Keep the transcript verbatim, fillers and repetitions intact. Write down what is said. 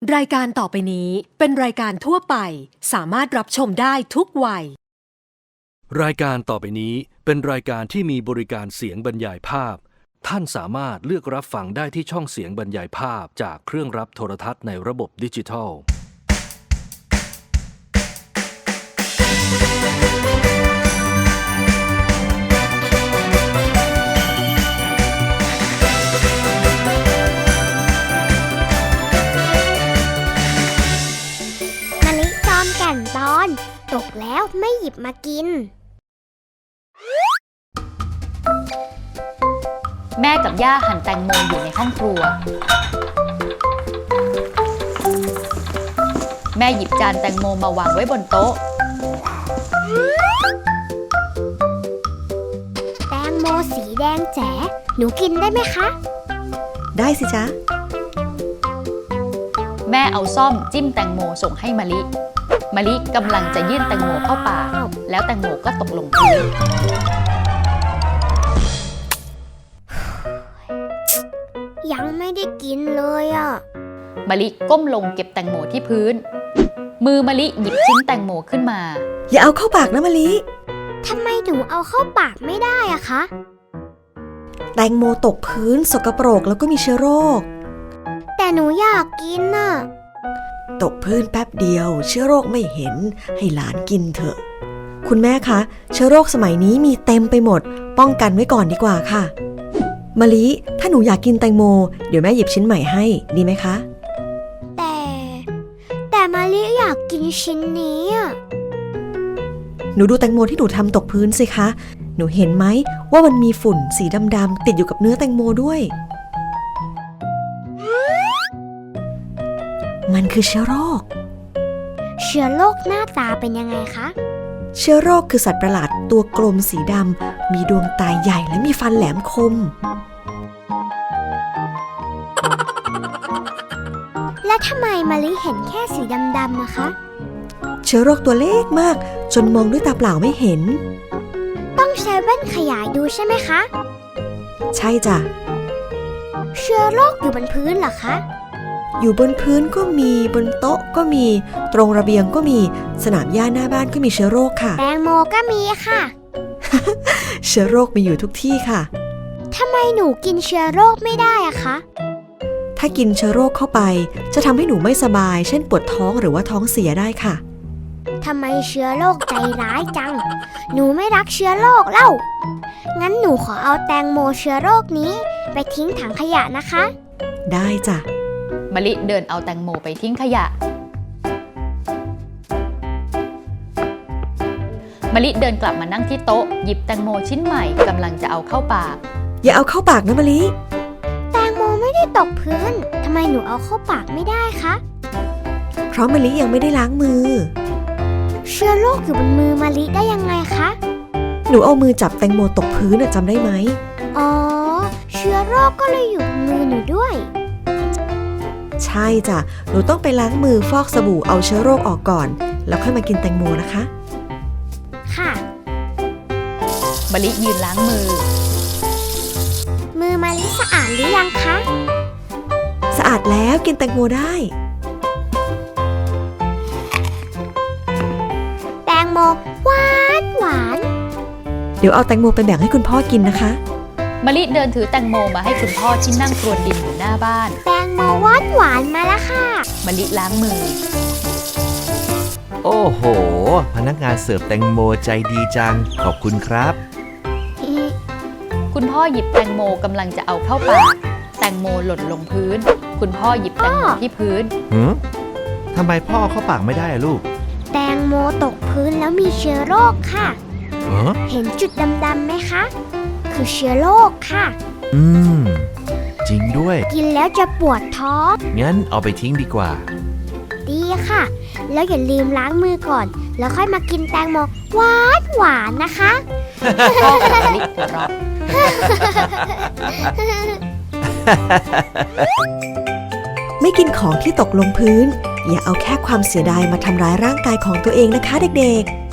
รายการต่อไปนี้เป็นรายการทั่วไปสามารถรับชมได้ทุกวัยรายการต่อไปนี้เป็นรายการที่มีบริการเสียงบรรยายภาพท่านสามารถเลือกรับฟังได้ที่ช่องเสียงบรรยายภาพจากเครื่องรับโทรทัศน์ในระบบดิจิทัลมะลิจอมแก่นตอนตกแล้วไม่หยิบมากินแม่กับย่าหั่นแตงโมอยู่ในห้องครัวแม่หยิบจานแตงโมมาวางไว้บนโต๊ะแตงโมสีแดงแจ๋หนูกินได้ไหมคะได้สิจ๊ะแม่เอาซ่อมจิ้มแตงโมส่งให้มะลิมะลิกำลังจะยื่นแตงโมเข้าปากแล้วแตงโมก็ตกลงพื้นยังไม่ได้กินเลยอ่ะมะลิก้มลงเก็บแตงโมที่พื้นมือมะลิหยิบชิ้นแตงโมขึ้นมาอย่าเอาเข้าปากนะมะลิทำไมหนูเอาเข้าปากไม่ได้อะคะแตงโมตกพื้นสกปรกแล้วก็มีเชื้อโรคแต่หนูอยากกินน่ะตกพื้นแป๊บเดียวเชื้อโรคไม่เห็นให้หลานกินเถอะคุณแม่คะเชื้อโรคสมัยนี้มีเต็มไปหมดป้องกันไว้ก่อนดีกว่าค่ะมะลิถ้าหนูอยากกินแตงโมเดี๋ยวแม่หยิบชิ้นใหม่ให้ดีไหมคะแต่แต่มะลิอยากกินชิ้นนี้อ่ะหนูดูแตงโมที่หนูทำตกพื้นสิคะหนูเห็นไหมว่ามันมีฝุ่นสีดำๆติดอยู่กับเนื้อแตงโมด้วยมันคือเชื้อโรคเชื้อโรคหน้าตาเป็นยังไงคะเชื้อโรคคือสัตว์ประหลาดตัวกลมสีดำมีดวงตาใหญ่และมีฟันแหลมคมและทำไมมะลิเห็นแค่สีดำๆนะคะเชื้อโรคตัวเล็กมากจนมองด้วยตาเปล่าไม่เห็นต้องใช้แว่นขยายดูใช่ไหมคะใช่จ้ะเชื้อโรคอยู่บนพื้นเหรอคะอยู่บนพื้นก็มีบนโต๊ะก็มีตรงระเบียงก็มีสนามหญ้าหน้าบ้านก็มีเชื้อโรคค่ะแตงโมก็มีค่ะเชื้อโรคมีอยู่ทุกที่ค่ะทำไมหนูกินเชื้อโรคไม่ได้อะคะถ้ากินเชื้อโรคเข้าไปจะทำให้หนูไม่สบายเช่นปวดท้องหรือว่าท้องเสียได้ค่ะทำไมเชื้อโรคใจร้ายจังหนูไม่รักเชื้อโรคเล่างั้นหนูขอเอาแตงโมเชื้อโรคนี้ไปทิ้งถังขยะนะคะได้จ้ะมะลิเดินเอาแตงโมไปทิ้งขยะมะลิเดินกลับมานั่งที่โต๊ะหยิบแตงโมชิ้นใหม่กำลังจะเอาเข้าปากอย่าเอาเข้าปากนะมะลิแตงโมไม่ได้ตกพื้นทำไมหนูเอาเข้าปากไม่ได้คะเพราะมะลิยังไม่ได้ล้างมือเชื้อโรคอยู่บนมือมะลิได้ยังไงคะหนูเอามือจับแตงโมตกพื้นจำได้ไหมอ๋อเชื้อโรคก็เลยอยู่บนมือหนูด้วยใช่จ้ะหนูต้องไปล้างมือฟอกสบู่เอาเชื้อโรคออกก่อนแล้วค่อยมากินแตงโมนะคะค่ะมะลิยืนล้างมือมือมะลิสะอาดหรือยังคะสะอาดแล้วกินแตงโมได้แตงโมหวานหวานเดี๋ยวเอาแตงโมไปแบ่งให้คุณพ่อกินนะคะมะลิเดินถือแตงโมมาให้คุณพ่อที่นั่งครวญดินอยู่หน้าบ้านแตงโมหวานหวานมาแล้วค่ะมะลิล้างมือโอ้โหพนักงานเสิร์ฟแตงโมใจดีจังขอบคุณครับคุณพ่อหยิบแตงโมกำลังจะเอาเข้าปากแตงโมหล่นลงพื้นคุณพ่อหยิบแตงโมที่พื้นหืมทำไมพ่อเข้าปากไม่ได้ลูกแตงโมตกพื้นแล้วมีเชื้อโรคค่ะเห็นจุดดำๆไหมคะคือเชื้อโรคค่ะอืมจริงด้วยกินแล้วจะปวดท้องงั้นเอาไปทิ้งดีกว่าดีค่ะแล้วอย่าลืมล้างมือก่อนแล้วค่อยมากินแตงโมหวานหวานนะคะพ่อกับมะลิหัวเราะไม่กินของที่ตกลงพื้นอย่าเอาแค่ความเสียดายมาทำร้ายร่างกายของตัวเองนะคะเด็กๆ